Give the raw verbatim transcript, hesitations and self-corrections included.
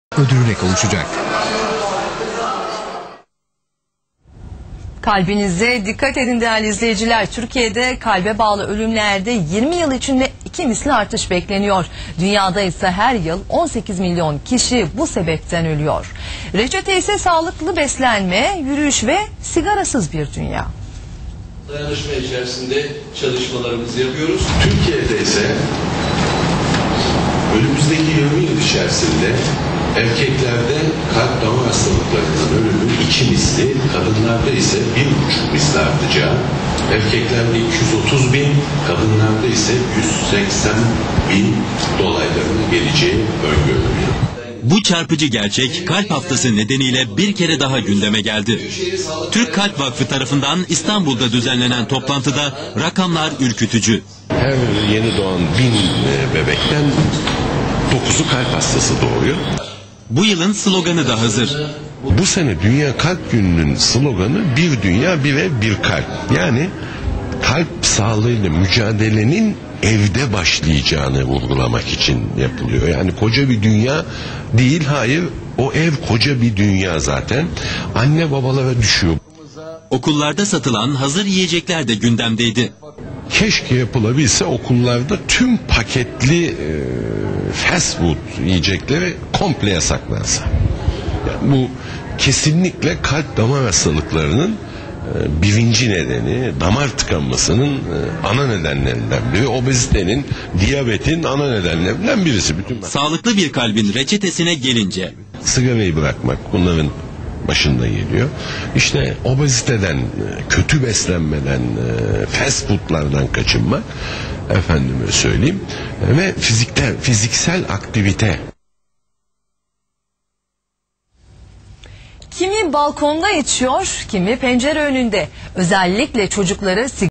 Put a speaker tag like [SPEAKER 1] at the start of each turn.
[SPEAKER 1] ödülüne kavuşacak.
[SPEAKER 2] Kalbinize dikkat edin değerli izleyiciler. Türkiye'de kalbe bağlı ölümlerde yirmi yıl içinde iki misli artış bekleniyor. Dünyada ise her yıl on sekiz milyon kişi bu sebepten ölüyor. Reçete ise sağlıklı beslenme, yürüyüş ve sigarasız bir dünya.
[SPEAKER 3] Dayanışma içerisinde çalışmalarımızı yapıyoruz. Türkiye'de ise önümüzdeki yirmi yıl içerisinde erkeklerde kalp damar hastalıklarından ölümün iki misli, kadınlarda ise bir buçuk misli artacağı, erkeklerde iki yüz otuz bin, kadınlarda ise yüz seksen bin dolaylarına geleceği öngörülüyor.
[SPEAKER 4] Bu çarpıcı gerçek Kalp Haftası nedeniyle bir kere daha gündeme geldi. Türk Kalp Vakfı tarafından İstanbul'da düzenlenen toplantıda rakamlar ürkütücü.
[SPEAKER 5] Her yeni doğan bin bebekten dokuzu kalp hastası doğuyor.
[SPEAKER 4] Bu yılın sloganı da hazır.
[SPEAKER 5] Bu sene Dünya Kalp Günü'nün sloganı bir dünya bir ev bir kalp. Yani kalp sağlığıyla mücadelenin evde başlayacağını vurgulamak için yapılıyor. Yani koca bir dünya değil, hayır, o ev koca bir dünya zaten. Anne babalara düşüyor.
[SPEAKER 4] Okullarda satılan hazır yiyecekler de gündemdeydi.
[SPEAKER 5] Keşke yapılabilse okullarda tüm paketli e, fast food yiyecekleri komple yasaklansa. Yani bu kesinlikle kalp damar hastalıklarının e, birinci nedeni, damar tıkanmasının e, ana nedenlerinden biri, obezitenin, diyabetin ana nedenlerinden birisi. Bütün
[SPEAKER 4] Sağlıklı bir kalbin reçetesine gelince,
[SPEAKER 5] sigarayı bırakmak bunların başında geliyor. İşte obeziteden, kötü beslenmeden, fast foodlardan kaçınmak, efendime söyleyeyim, ve fizikte, fiziksel aktivite.
[SPEAKER 2] Kimi balkonda içiyor, kimi pencere önünde. Özellikle çocukları sigara